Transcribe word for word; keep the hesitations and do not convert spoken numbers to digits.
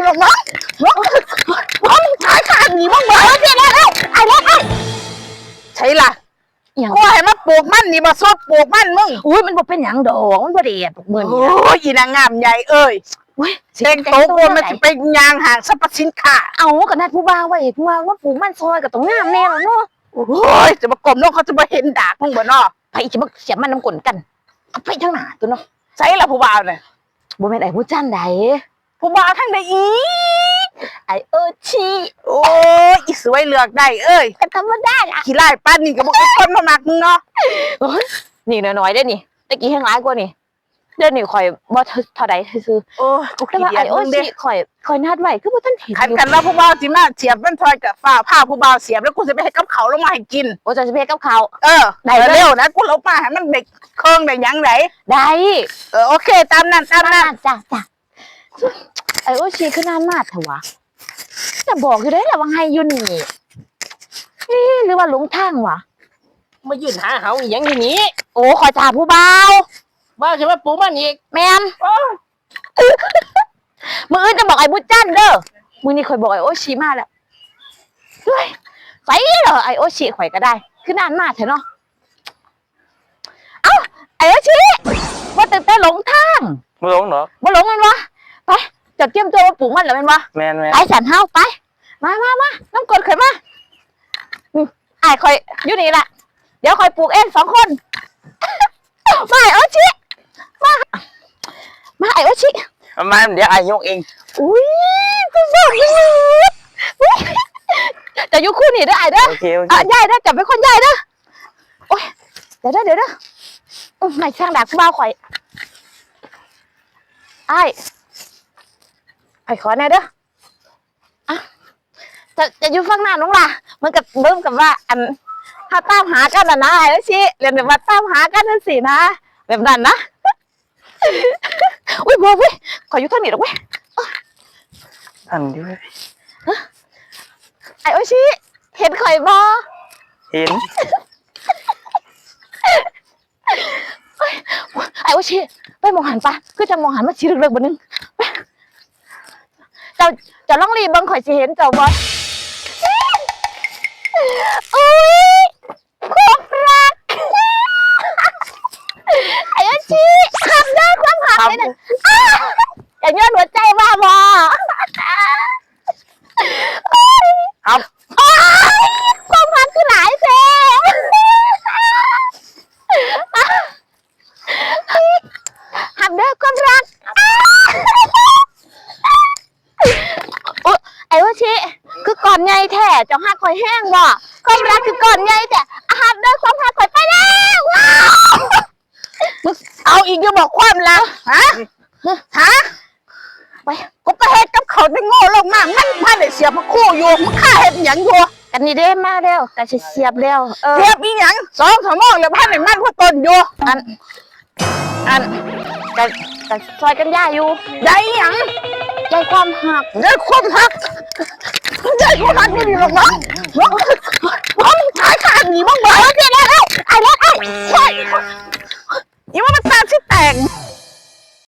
หรอกน้องน้องน้องขายขาดหนีบ้างเหรอเจ๊แล้วแล้วไอ้แล้วไอ้ใช่ล่ะกูให้มาปลูกมันนี่มาซดปลูกมันมึงอุ้ยมันบ่เป็นหยังดอกมันบ่ได้ปลูกมือนี่โอ้ยอีนางงามใหญ่เอ้ยเช็งโต๊ะกูมันจะเป็นยางห่างสรรพสินค้าเอากับนัดผู้บ่าวไว้ผู้บ่าวว่าปลูกมันซอยกับตรงงามแน่แล้วเนาะโอ้ยจะมากลมน้องเขาจะมาเห็นดากมึงบ่เนาะไปจะมาเสียบมันน้ำกลนกันเอาไปทั้งหน้าตัวเนาะใช่ล่ะผู้บ่าวเนี่ยบ่แม่นไอ้ผู้จันใดผู้บ่าวทั้งใดอีไอ้เออชีโอ้ยอีสวยเลือกได้เอ้ยก็ธรรมดาล่ะขี้ไล่ป้านนี่ก็บอกคนมามักมึงเนาะนี่น้อยๆได้นี่ตะกี้แห้งร้ายกว่านี่เดี๋ยวนี้ข่อยบ่เท่าใดซื่อโอ้กูขี้เดียดมึงเด้ข่อยข่อยนัดไว้คือบ่ทันเห็นคันกันแล้วผู้บ่าวสิมาเสียบมันทอยกับฝ้าผ้าผู้บ่าวเสียบแล้วกูจะไปให้กับเขาลงมาให้กินโอ้จะไปกับเขาเออได้เร็วนะกูลงมาให้มันเด็กเครื่องได้ยังไงได้เออโอเคตามนั้นตามนั้นจ้ะจ้ะไอ้โอชีคือนานมากเถอะวะจะบอกอยู่ได้แหละว่าไงอยู่นี่นี่หรือว่าหลงทางวะมายืนหาเขาอย่างนี้โอ้ขอจ่าผู้เบาบ้าใช่ไหมปูมันอีกแมนมืออื่นจะบอกไอ้บุญจันเด้อมือนี่คอยบอกไอ้โอชีมาแล้วเฮ้ยใส่เหรอไอ้โอชีข่อยก็ได้คือนานมากเถอะเนาะเอ้าไอ้โอชีว่าแต่แต่หลงทางไม่หลงหรอไม่หลงมันวะไปจัดเตรียมตัวมาปลูกมันเหรอเป็นวะแมนแมนไปสันเฮาไปมามามาน้ำกรดข่อยมาไอ้ข่อยอยู่นี่แหละเดี๋ยวข่อยปลูกเองสองคนมาไอ้โอชิมามาไอ้โอชิมาเดี๋ยวไอ้ยกเองอุ้ยกูบอกเลยจะอยู่คู่นี่ได้ไอ้เด้อโอเคโอเคใหญ่เด้อจับเป็นคนใหญ่เด้อโอ้ยเดี๋ยวเด้อเดี๋ยวเด้อไม่ช่างดาบกูบ้าข่อยไอ้ไอ้ขอแน่เด้ออ่ะจะจะอยู่ฝั่งหน้าน้องล่ะมันกับเริ่มกับว่าอันถ้าตามหากันนะนะไอ้แล้วชิเรียนแบบว่าตามหากันนั่นสินะแบบนั้นนะอุ้ยบัวเว้ยขออยู่ทางนี้หรอกเว้ยอันนี้ไอ้โอชิเห็นข่อยบ่เห็นไอ้โอชิไปมองหันปะคือจะมองหันมาชี้เรื่องๆบนนึงเจ้าเจ้าล่องรีบังข่อยสิเห็นเจ้าบ่อุ้ยความรักไอ้โอชิทำได้ความหักเลยนะอย่าย้อนหัวใจบ้าบอครับความหักคือหลายแซ่ทำได้ความรักไอ้โอชิคือก่อนใหญ่แท้เจ้าหักข่อยแห้งบ่ความรักคือก่อนใหญ่แต่หักได้ความหักข่อยไปแล้วว้าวเอาอีกจะบอกความรักฮะฮะไปกูไปเฮ็ดกับเขาได้โง่ลงมากมันพาได้เสียบมาคู่อยู่มึงฆ่าเฮ็ดหยังอยู่กันนี่เด้มาแล้วแต่เสียบแล้วเออเสียบอีหยังสองชั่วโมงแล้วพาได้มันพ่อต้นอยู่อันอันแต่แต่ซอยกันย่าอยู่ได้หยังใจความหักได้ความหักได้ความหักไม่ดีหรอกน้องน้องน้องขายขาดหนีบ้างเหรอเจ๊แล้วไอ้แล้วไอ้